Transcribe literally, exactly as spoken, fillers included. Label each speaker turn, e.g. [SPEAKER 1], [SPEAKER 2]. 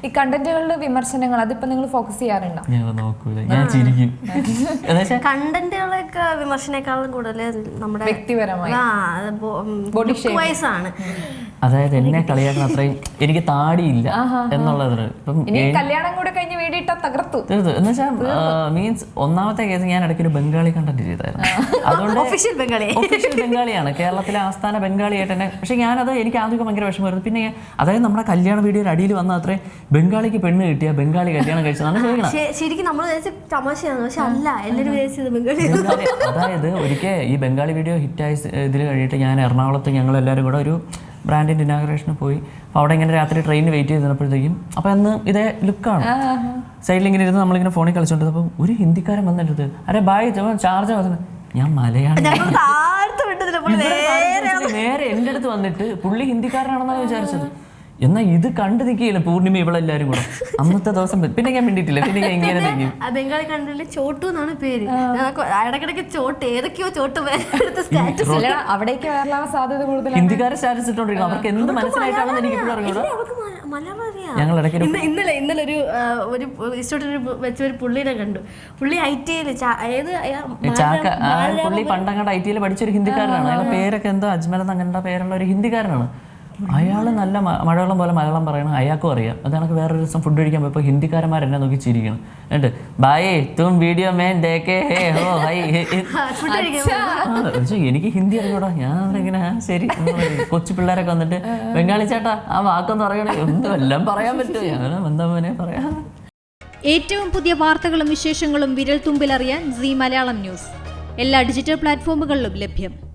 [SPEAKER 1] ഈ കണ്ടന്റുകളുടെ വിമർശനങ്ങൾ അതിപ്പോ നിങ്ങൾ ഫോക്കസ് ചെയ്യാറുണ്ടോ?
[SPEAKER 2] ഞാൻ നോക്കൂല, ഞാൻ ചിരിക്കും.
[SPEAKER 3] കണ്ടന്റുകളൊക്കെ വിമർശനേക്കാളും കൂടുതൽ നമ്മുടെ
[SPEAKER 1] വ്യക്തിപരമായി
[SPEAKER 3] ആണ്.
[SPEAKER 2] അതായത് എന്നെ കളിയാക്കണം അത്രയും എനിക്ക് താടിയില്ല എന്നുള്ളത്. ഇപ്പം
[SPEAKER 1] കല്യാണം കൂടെ കഴിഞ്ഞ് വീടിട്ടാ തകർത്തു
[SPEAKER 2] തീർത്ത് എന്ന് വെച്ചാൽ മീൻസ് ഒന്നാമത്തെ കേസ് ഞാൻ ഇടയ്ക്ക് ഒരു ബംഗാളി കണ്ടന്റ് ചെയ്തായിരുന്നു. അതുകൊണ്ട്
[SPEAKER 3] ഒഫീഷ്യൽ ബംഗാളി
[SPEAKER 2] ഒഫീഷ്യൽ ബംഗാളിയാണ്, കേരളത്തിലെ ആസ്ഥാന ബംഗാളിയായിട്ട് തന്നെ. പക്ഷെ ഞാനത് എനിക്ക് ആദ്യമൊക്കെ ഭയങ്കര വിഷമമായിരുന്നു. പിന്നെ അതായത് നമ്മുടെ കല്യാണ വീഡിയോയുടെ അടിയിൽ വന്ന അത്രയും ബംഗാളിക്ക് പെണ്ണ് കിട്ടിയ ബംഗാളി കല്യാണം കഴിച്ചതാണ് ചോദിക്കണം.
[SPEAKER 3] ശരിക്കും നമ്മൾ തമാശയാണ്, പക്ഷെ അല്ല എല്ലാവരും വിചാരിച്ചത് ബംഗാളി.
[SPEAKER 2] അതായത് ഒരിക്കൽ ഈ ബംഗാളി വീഡിയോ ഹിറ്റായി ഇതിൽ കഴിഞ്ഞിട്ട് ഞാൻ എറണാകുളത്ത് ഞങ്ങൾ എല്ലാവരും കൂടെ ഒരു ബ്രാൻഡിൻ്റെ ഇനാഗ്രേഷന് പോയി. അപ്പോൾ അവിടെ ഇങ്ങനെ രാത്രി ട്രെയിനിന് വെയിറ്റ് ചെയ്തപ്പോഴത്തേക്കും അപ്പോൾ അന്ന് ഇതേ ലുക്കാണ്, സൈഡിൽ ഇങ്ങനെ ഇരുന്ന് നമ്മളിങ്ങനെ ഫോണിൽ കളിച്ചോണ്ടിരുന്നപ്പോൾ ഒരു ഹിന്ദിക്കാരൻ വന്നിട്ട് അരെ ബായ് ചാർജ് വന്നത് ഞാൻ മലയാളം നേരെ എൻ്റെ അടുത്ത് വന്നിട്ട് പുള്ളി ഹിന്ദിക്കാരനാണെന്നാണ് വിചാരിച്ചത്. എന്നാൽ ഇത് കണ്ടു നിൽക്കുകയില്ല പൂർണിമ ഇവളെല്ലാരും കൂടെ അന്നത്തെ ദിവസം. പിന്നെ ഞാൻ മിണ്ടിയിട്ടില്ല, പിന്നെ ഞാൻ ഇങ്ങനെ തെങ്ങി.
[SPEAKER 3] ബംഗാളി കണ്ടില്ല ചോട്ടു എന്നാണ് പേര്. ഇടക്കിടക്ക് ചോട്ട് ഏതൊക്കെയോ ചോട്ട്
[SPEAKER 1] അവിടേക്ക് വരാനുള്ള സാധ്യത കൂടുതൽ.
[SPEAKER 2] ഹിന്ദിക്കാരെ സ്റ്റാറ്റസ് ഇട്ടോണ്ടിരിക്കും, അവർക്ക് എന്ത് മനസ്സിലായിട്ടാണെന്ന് എനിക്ക് ഇപ്പോഴും അറിഞ്ഞൂടാ. ഞങ്ങൾ ഇടയ്ക്ക്
[SPEAKER 3] ഇന്നലെ ഇന്നലെ ഒരു ഒരു ഇൻസ്റ്റിറ്റ്യൂട്ടിൽ വെച്ച ഒരു പുള്ളിനെ കണ്ടു. പുള്ളി ഐ ടി ഐയിൽ ഏത്
[SPEAKER 2] ചാക്ക പുള്ളി പണ്ടങ്ങാണ്ട് ഐ ടിയിൽ പഠിച്ചൊരു ഹിന്ദിക്കാരനാണ്. അയാളുടെ പേരൊക്കെ എന്തോ അജ്മൽ എന്ന് അങ്ങനത്തെ പേരുള്ള ഒരു ഹിന്ദിക്കാരനാണ്. അയാൾ നല്ല മലയാളം പോലെ മലയാളം പറയണം, അയാൾക്കും അറിയാം. അതാണ് വേറൊരു ദിവസം ഫുഡ് കഴിക്കാൻ പോയപ്പോൾ ഹിന്ദിക്കാരന്മാർ എന്നെ നോക്കി ചിരിക്കണം. എന്നിട്ട് ബായേ തും വീഡിയോ മേൻ ദേക്കേ ഹേ ഹോ ഹൈ. എനിക്ക് ഹിന്ദി അറിഞ്ഞൂടാ, ഞാൻ ഇങ്ങനെ ശരി. കൊച്ചു പിള്ളേരൊക്കെ വന്നിട്ട് ബംഗാളി ചേട്ടാ ആ വാക്കൊന്നും അറിയണേ, ഒന്നും എല്ലാം പറയാൻ പറ്റുമോ? ഞാൻ എന്താ മോനെ പറയാം.
[SPEAKER 4] ഏറ്റവും പുതിയ വാർത്തകളും വിശേഷങ്ങളും വിരൽ തുമ്പിലറിയാൻ സീ മലയാളം ന്യൂസ് എല്ലാ ഡിജിറ്റൽ പ്ലാറ്റ്ഫോമുകളിലും ലഭ്യം.